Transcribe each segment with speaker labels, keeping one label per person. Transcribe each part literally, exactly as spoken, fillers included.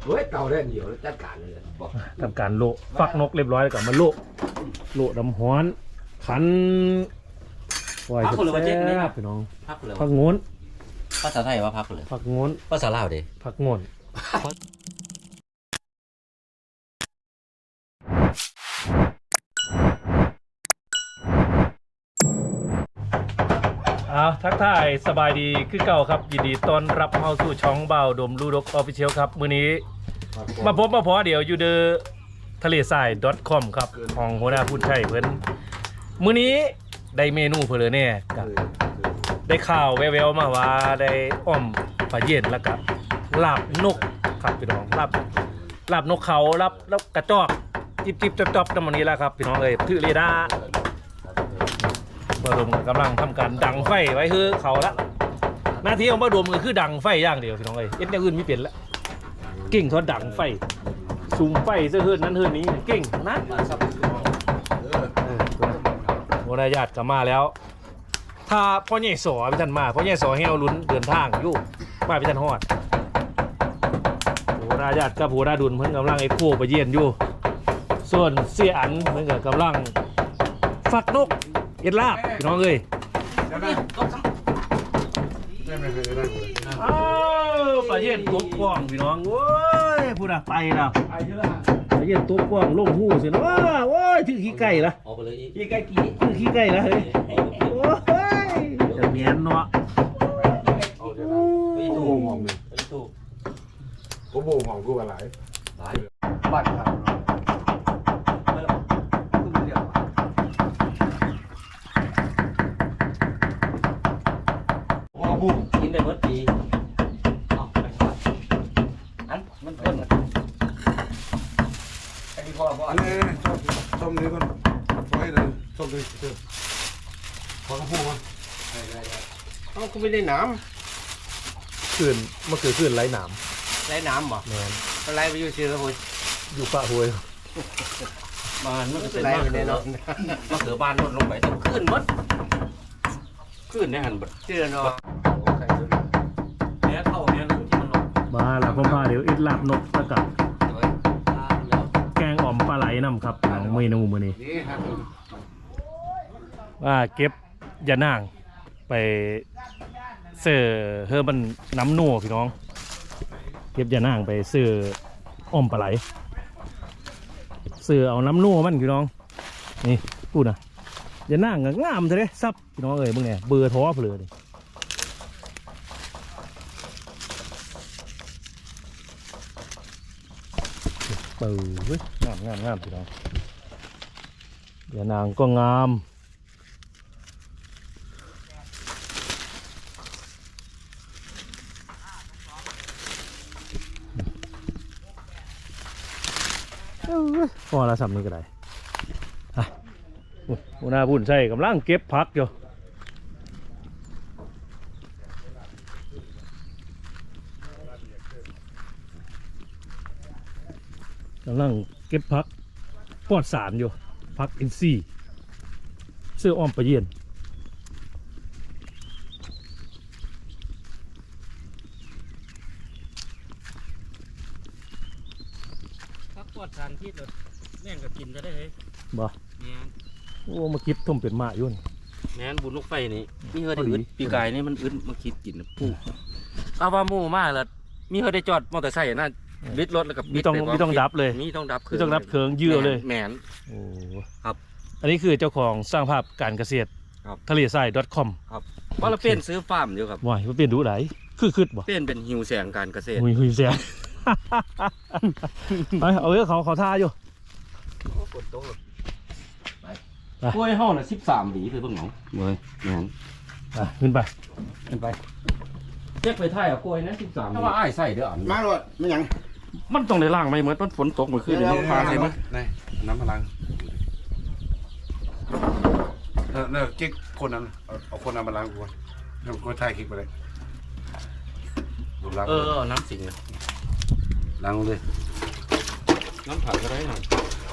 Speaker 1: เฮ้ยเต่าได้เดียวจัดการเลย
Speaker 2: ทำการโละฟักนกเรียบร้อยแล้วก็มาโละโละน้ำฮ้อนขันไว้แซ่บพี่น้องพักงน
Speaker 3: ภาษาไทยว่าพักเลย
Speaker 2: พักงน
Speaker 3: ภาษาลาวดิ
Speaker 2: พักงนอ้าวทักทายสบายดีคือเก่าครับยินดีต้อนรับเข้าสู่ช่องเบาดมลูดกออฟฟิเชียลครับมื้อนี้มาพบมาพอเดี๋ยวอยู่เดอทะเลทราย .com ครับของหัวหน้าผู้ใช้เพิ่นมื้อนี้ได้เมนูเพิ่นเลยเนี่ยกับได้ข่าวแววๆมาว่าได้อ้อมปลาเย็นแล้วก็ลาบนกครับพี่น้องลาบลาบนกเขาลาบแล้วกระจอกจิบจิบจอบจอบตรงนี้แล้วครับพี่น้องเอ้ยถือเรดาร์บดมกำลังทำการดังไฟไว้คือเขาละหน้าที่ของบดมก็คือดังไฟอย่างเดียวพี่น้องเอ้ยเอ็ดอย่างอื่นไม่เปลี่ยนละเก่งทอดดังไฟซูมไฟเสื้อหื้นนั้นหื้นนี้เก่งนะวรญาติกลับมาแล้วถ้าพ่อใหญ่สอพี่ท่านมาพ่อใหญ่สอให้เอาลุ้นเดินทางอยู่มาพี่ท่านฮอดวรญาติกับหัวหน้าดุลเพิ่นกำลังไอ้โคไปเยี่ยนอยู่ส่วนเสี่ยอันเพิ่นก็กำลังฟักนกเอ็ดลาบพี่น้องเอ้ยอ้าวปลาเย็นตัวกว้างพี่น้องโว้ยพูดอะไปแล้วปลาเย็นตัวกว้างลงหูสินะว้าโว้ยถือขี้ไก่ละขี้ไก่กี่ถือขี้ไก่ละเฮ้ยโอ้ยจะเมียนเนาะ
Speaker 1: โอ้โหหอมเลยโอ้โหหอมกูอะไรบัตรครับ
Speaker 3: กินได้เมื่อปีอันมันเพิ่มไอ้พ่อพ่ออันนี้
Speaker 1: ส้มส้มนี้ก่อนไว้เลยส้มนี้เจอพอเขาพูดมา
Speaker 4: เขาก็ไม่ได้น้
Speaker 2: ำคืนเมื่อคืนคืนไร้น้
Speaker 4: ำไร้น้ำหรอ
Speaker 2: แมน
Speaker 4: ไร้ไปอยู่เชียงราย
Speaker 2: อยู่ปะหวย
Speaker 3: บ้านมันเป็น
Speaker 4: ไร้ไปแน่นอน
Speaker 3: มาเขือบ้านลดลงไปต้องขึ้นมัดขึ้นในหันบัด
Speaker 4: เชื่อเนาะ
Speaker 3: แม่เข้าแม่ที่มันลง
Speaker 2: มาแล้วพ่อพาเดี๋ยวอิดลาบนกแล้วกับแกงอ่อมปลาไหลน้ำครับของเมนูมื้อนี้ว่าเก็บยานางไปเสือเฮอมันน้ำนัวพี่น้องเก็บยานางไปเสืออ่อมปลาไหลเสือเอาน้ำนัวมันพี่น้องนี่พูดนะยานางงามเลยซับพี่น้องเอ้ยมึงเนี่ยเบื่อท้อเพลินเปิดงามงามงามพี่น้องยานางก็งามพอละสำนี้ก็ได้ฮะหัวหน้าพุ่นใช่กำลังเก็บผักอยู่กำลังเก็บผักปลอดสารอยู่ผักอินทรีย์เสื้ออ้อมปลาเยี่ยน
Speaker 3: พักปลอดสารพิษเลยแม่งก็กินจะได้เลย
Speaker 2: บ่
Speaker 3: แม่น
Speaker 2: โอ้มาคิดทุ่มเป็นมายุ่น
Speaker 3: แม่นบุญลูกไฟนี่มีเฮอได้อึดปีกายนี่มันอึดมาคิดกินนะปุ๊ข้าวว่าหมูมากเลยมีเฮอได้จอดมอเตอร์ไซค์น่ะบิดรถแล้วกับ
Speaker 2: มีต้องมีต้องดับเลย
Speaker 3: มีต้องดับ
Speaker 2: คือต้องดับเครื่องยืดเลย
Speaker 3: แมน
Speaker 2: โอ้
Speaker 3: ครับ
Speaker 2: อันนี้คือเจ้าของสร้างภาพการเกษตรทะเลทราย .com
Speaker 3: ครับว่าเราเปลี่ยนซื้อฟาร์มอยู่ครับ
Speaker 2: ว้ายเปลี่ยนดูไหนคือคืดบ่
Speaker 3: เปลี่ยนเป็นหิวแสงการเกษตร
Speaker 2: หิวแสงไปเอาเยอะเขาเขาท่าอยู่
Speaker 3: กล้วยห่อละสิบสามหวีคือเพิ่งหนองเว้ยแมน
Speaker 2: อ่ะขึ้นไป
Speaker 3: ขึ้นไปเช็คไปไทยอ่ะกล้วยนะสิบสามถ้าว่าไอ้ใส่เด้อ
Speaker 4: มาเลยไม่ยัง
Speaker 3: มันต้องได้ล่างไหมเหมือนมันฝนตกเมื่อคืนนี้
Speaker 1: พาใส่มั้ยนี่น้ำพลังเออเนี่ยกิ๊กคนนั้นเอาคนนั้นมาล้างกูแล้วกูถ่ายคลิปไปเลย
Speaker 3: เออน้ำสิงเลย
Speaker 1: ล้างเลย
Speaker 3: น้ำผักก็ได้หน่อย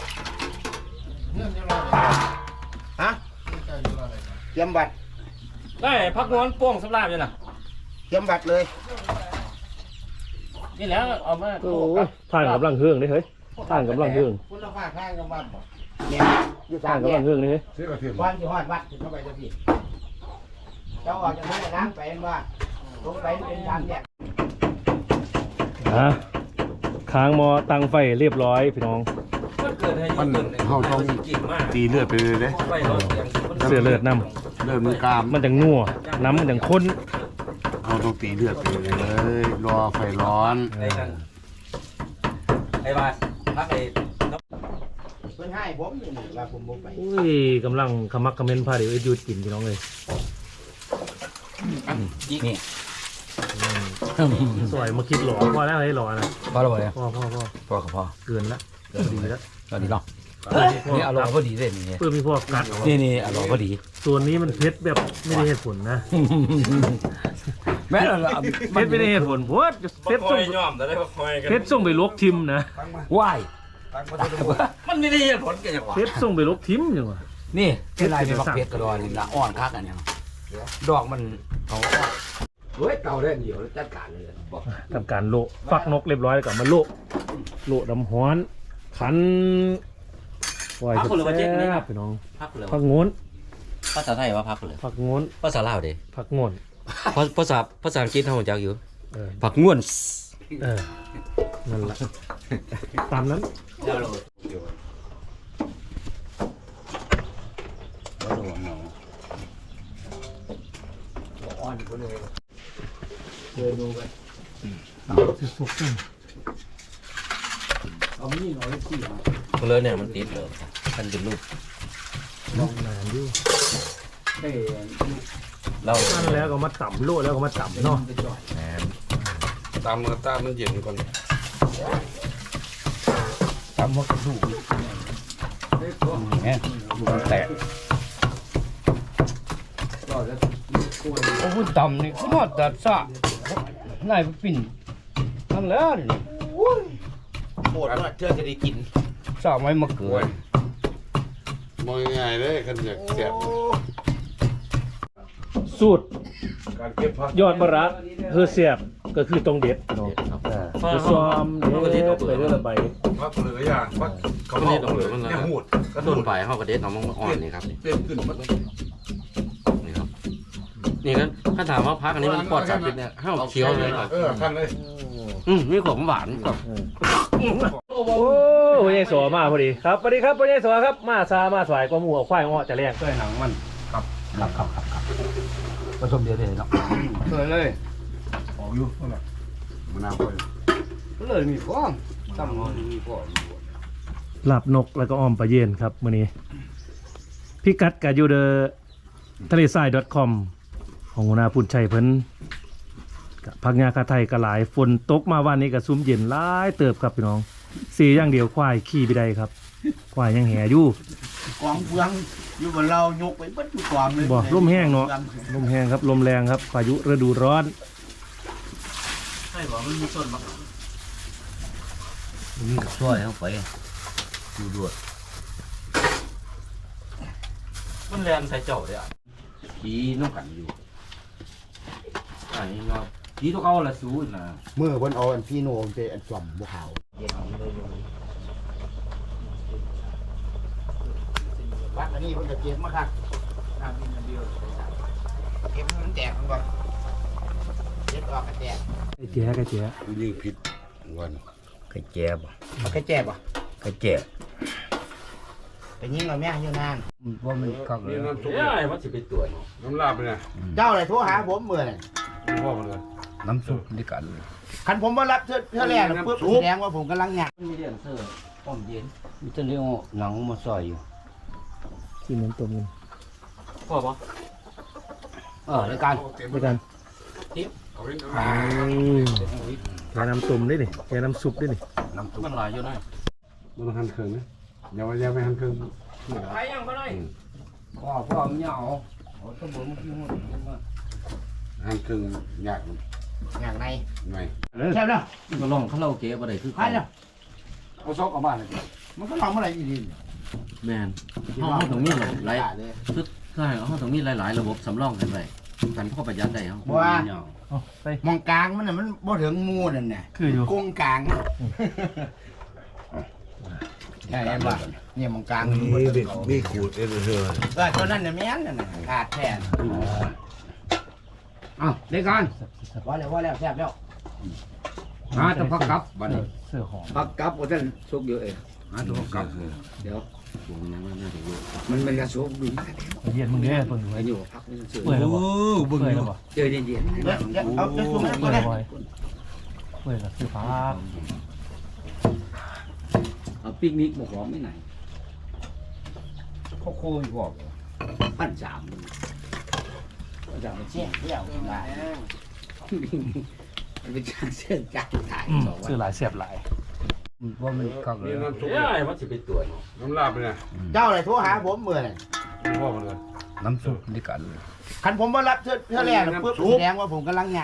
Speaker 4: ฮะเตรียมบัตร
Speaker 3: ได้พักนอนป้องสำราบอยู่นะ
Speaker 4: เตรียมบัตรเลย
Speaker 3: นี่แล้วเอามา
Speaker 2: โอ้ยท่านกำลังเฮืองนี่เฮ้ยท่านกำลังเฮือง
Speaker 4: คุณภาพทางกับวัดบ่
Speaker 5: เนี่ยอยู่
Speaker 2: ท่า
Speaker 5: ทาน ง
Speaker 2: กำ
Speaker 5: เนี่
Speaker 2: ลั
Speaker 5: ย
Speaker 2: งเฮืองนี่เฮ้ย
Speaker 1: ซื้อกระเทียม
Speaker 5: วันที่ฮอดวัดถึงเข้าไปจะพี่เจ้าออกจากนั้นล้างไปว่าลงไปเป็นทางเนี่ย
Speaker 2: อ่ะค้างหมอตังไฟเรียบร้อยพี่น้อง
Speaker 3: มันเกิดให้
Speaker 1: มันเฮาต้อง
Speaker 3: กิ่งมาก
Speaker 1: ตีเลือดไปเลยเด้
Speaker 3: ไฟเราเสียง
Speaker 2: เสือเลือดน้
Speaker 1: เลือดมันกราม
Speaker 2: ำมันจังนัวน้ำมันจังข้น
Speaker 1: เฮาต้องตีเลือดไปเลยรอไฟร้อน
Speaker 3: ไอ้นั่นไอ้บ้านพักไอ้
Speaker 5: เพิ่นให้ผมนี่ว่าผมบ่ไป
Speaker 2: อุ้ยกำลังขมักเขม้นพาเดี๋ยวไอ้ยุดกินพี่น้องเลย
Speaker 3: นี่
Speaker 2: สวยมาคิดหล่อพอแล้วไอ้หล่อนะ
Speaker 6: พอแล้วบ่เนี่ย
Speaker 2: พ่อพ่อพ่อ
Speaker 6: พอกับพอ
Speaker 2: เกินละดีแล้ว
Speaker 6: ตอนนี้เนาะนี่อร่อยพอดีเลยนี่
Speaker 2: เพื่อมีพวกกัด
Speaker 6: นี่นี่อร่อยพอดี
Speaker 2: ส่วนนี้มันเผ็ดแบบไม่ได้เหตุผลนะ
Speaker 6: แม่เรา
Speaker 2: เผ็ดไม่ได้เหตุผลเพราะว่าเผ็ดส่ง
Speaker 3: ย่อมแต่ได้คอยกัน
Speaker 2: เผ็ดส่งไปลวกทิมนะ
Speaker 6: ว่าย
Speaker 3: มันไม่ได้เหตุผลกันอย่างวะ
Speaker 2: เผ็ดส่งไปลวกทิมอย่างวะ
Speaker 6: นี่ที่ไรเป็นบักเพชรกระดอนนี่นะอ่อนคักอันเนี้ยดอกมันเขาเฮ้ยเก่าได้เดียวจัดการเลยบอก
Speaker 2: ทำการโละฟักนกเรียบร้อยแล้วก็มาโละโละน้ำฮ้อนขันปล่อยแซ่บๆพี่น้อง
Speaker 3: พักเลย
Speaker 2: ผักโงน
Speaker 3: ภาษาไทยว่าพักเลย
Speaker 2: ผักโงน
Speaker 3: ภาษาลาวเด้
Speaker 2: ผักโงน
Speaker 3: ภาษาภาษาอังกฤษเขาจักอยู่
Speaker 2: เออ
Speaker 3: ผักง่วน
Speaker 2: เออนั่นแหละตามนั้น
Speaker 6: อ่อนก็เลย เอามีดเอาเลยสิครับ
Speaker 3: เลยเนี่ยมันติดเลยมันเป็นรูป
Speaker 2: ลองนานอยู่
Speaker 6: ได้
Speaker 3: เรา
Speaker 2: นั่นแล้วก็มาต่ำโละแล้วก็มาต่ำเนาะ
Speaker 6: ไปจ่อย
Speaker 1: ตามมือตามมันเย็นก่อน
Speaker 6: ตำหัวกระดูกเนี่ยแตกโอ้โหตำนี่คือมาตัดซะนายปิ่นนั่นแล้วนี่
Speaker 5: โคตรว่าเธอจะได้กิน
Speaker 6: ซะไว้มาเกิด
Speaker 1: มองง่ายๆเลยกันอยากแซ่บ
Speaker 2: สูตร
Speaker 1: การเก็บผัก
Speaker 2: ยอดมะระเฮือเสียบก็คือตรงเด็ดเนาะคือซ้อมเด็ดไปเรื่อยๆไป
Speaker 1: ผักเหลืออย่างผักเขาเผาเลยเนี่ยหูด
Speaker 3: ก็โดนไปเขากระเด็ดน้องมันอ่อนนี่ครับนี่
Speaker 1: เต็มขึ้นมัน
Speaker 3: นี่ครับนี่ก็ถ้าถามว่าพักอันนี้มันปลอดสารพิษเนี่ยห้าวเคี้ยวเลยครับ
Speaker 1: เออขั้นเลย
Speaker 3: อืมมีความหวานกับ
Speaker 2: โอ้พ่อใหญ่สอมาพอดีครับสวัสดีครับพ่อใหญ่สอครับมาซามาสายกว่าหมูควายอ้อจะแรง
Speaker 6: เคยหนังมันครับครับครับครับครับผสมเดียวเลยเนาะเคยเลย
Speaker 1: ออกอยู่นั่นแหละมะนาวค่อย
Speaker 6: เลยมีฟองตั้งมีฟอง
Speaker 2: หลับนกแล้วก็อ้อมปลาเย็นครับมื้อนี้พิกัดกับยูเดอทะเลทราย .com ของหัวหน้าพุ่นชัยเพิ่นกับพักงาคาไทยก็หลายฝนตกมาวันนี้ก็ซุ่มเย็นหลายเติบครับพี่น้องสีอย่างเดียวควายขี่ไปได้ครับควายยังแห่อยู่
Speaker 5: กองเฟืองอยู่บนเรายกไปเบิดทุกกองเลย
Speaker 2: บ่ลมแห้งเนาะลมแห้งครับลมแรงครับพายุฤดูร้อน
Speaker 3: ใช่บอกมันมีต้นมะ
Speaker 6: มีกับช่วยเข้าไปดูด้วย
Speaker 3: มันแลนใส่เจ้าเลยอ่ะ
Speaker 6: ขี่น้ำกันอยู่อันนี้เนาะขี่ตัวเขาละสู้นะ
Speaker 4: เมื่อวันเอาอันพี่โนมเจอันจอมบ่ขาว
Speaker 5: วัดอันนี้เพิ่นก็เก็บมาครับน้ำกินอันเดียวเก็บให้มันแตกมันก่อนเก็บออกก็แตก
Speaker 2: ไอ้เจ๊ไอ้เจ๊
Speaker 1: ยิ่งผิดวัน
Speaker 6: ไข่แจ๊บ
Speaker 5: มันก็แจ็บอ่ะ
Speaker 6: ไข่แจ๊บ
Speaker 5: ไปยิงกับแม่อยู่นาน
Speaker 6: ว่ามันคักเลย
Speaker 1: นี่น้ำซุป
Speaker 3: เอ้ยมันจะไปตรวจ
Speaker 1: น้ำลาบไปเนี่ย
Speaker 5: เจ้าเลยโทรหาผมเมื่อไหร่
Speaker 1: พ่อมันเลย
Speaker 6: น้ำซุปด้วยกัน
Speaker 5: คันผมมารับเทื่อเทื่อแรกน่ะปุ๊บแสดงว่าผมกำลังหยัก
Speaker 3: มีเดียนเซอร์อ้อมเย็น
Speaker 6: มีแต่เรื่องหนังมาซอยอยู่
Speaker 2: กินน้ำต้มกัน
Speaker 3: พอปะ
Speaker 6: เออด้วยกัน
Speaker 2: ด้วยกัน
Speaker 1: เอาไว้
Speaker 2: แค่น้ำต้มได้ดิแค่น้ำซุปได้ดิ
Speaker 6: น้ำซุป
Speaker 3: มันหลายอยู่หน่อย
Speaker 1: มันหั่นเครื่องนะอย่าไปอย่าไปหั่นเครื่อง
Speaker 3: ไปยังก็ได้
Speaker 6: พ่อพ่อมันเหงาเอาสมุนมากินหมด
Speaker 1: หั่นเครื่องยาก
Speaker 5: หยักใน
Speaker 1: หน่อย
Speaker 5: ใช่แล้ว
Speaker 3: ก็ลองคาราโอเกะบ่ได้คือ
Speaker 5: ใช่แล้ว
Speaker 6: เอาซอกออกมาเลย
Speaker 5: มันก็ลองเมื่อไหร่อีดี
Speaker 3: แมนห้องห้องตรงนี้หลาย
Speaker 5: เลย
Speaker 3: ชุดใช่ห้องตรงนี้หลายๆระบบสำรองกันไปกันพ่อประหยัดได้ครับ
Speaker 5: บัว
Speaker 6: เหงา
Speaker 2: เอาไป
Speaker 5: มองกลางมันน่ะมันบ่ถึงมูนั่นน่ะ
Speaker 2: คืออยู่
Speaker 5: กงกลางใช่ไหมเนี่ยมองกลางมัน
Speaker 1: มี
Speaker 5: บ่
Speaker 1: เด็
Speaker 5: ถึ
Speaker 1: ก
Speaker 5: ง
Speaker 1: มีขูดเอเธอ
Speaker 5: เออตัวนั้นน่ะแม่นนั่นน่ะขาดแท้
Speaker 6: เอาได้กัน
Speaker 5: ว่าแล้วว่าแล้วแซ่บแล้ว
Speaker 6: หาตัวพักกับบัดนี้
Speaker 2: เสื้อหอม
Speaker 6: พักกับว่าท่านสุกเยอะเองหาตัวพักกับเดี๋ยวมันมันกระสุกดู
Speaker 2: เย็นมึงเด้เพิ่งอยู่
Speaker 6: ไป
Speaker 2: ไว้
Speaker 6: อยู่พักนี่เฉย
Speaker 2: เปื่อยแล้วบ่เปื่อยแล้วบ่
Speaker 6: เจอเย็น
Speaker 5: เดี๋ยวเดี๋ยวเอาจะซุ่มให้
Speaker 2: เปื่
Speaker 5: ก่
Speaker 2: อ
Speaker 5: อย น
Speaker 2: แล้ว
Speaker 5: นะ
Speaker 2: บ่เปื่อยแล้วซื้อฟ้า
Speaker 6: ๆเอาปิกนิกบอกหอมไม่ไหนเขาโค้ยบอกปั้นสามปั้นสามมัน
Speaker 5: เชี่ยเที่ยวมา
Speaker 6: มันเป็นการเชื่อการถ่าย
Speaker 2: อืม
Speaker 6: สองวัน
Speaker 2: ซื้อหลายเสียบหลาย
Speaker 6: ว่ามันเข้าเล
Speaker 1: นี่
Speaker 6: ย
Speaker 1: น้ำซุป
Speaker 3: เอ้ยมันสิเป็นตัวเนาะ
Speaker 1: น้ำลาบเลยนะ
Speaker 5: เจ้าอะไรโทรหาผมเมื่อไหร่
Speaker 1: พ่อมันเลย
Speaker 6: น้ำซุปนี่กันเลย
Speaker 5: คันผมมารับเธอเธอแรกน่ะปุ๊บแสดงว่าผมกำลังงาน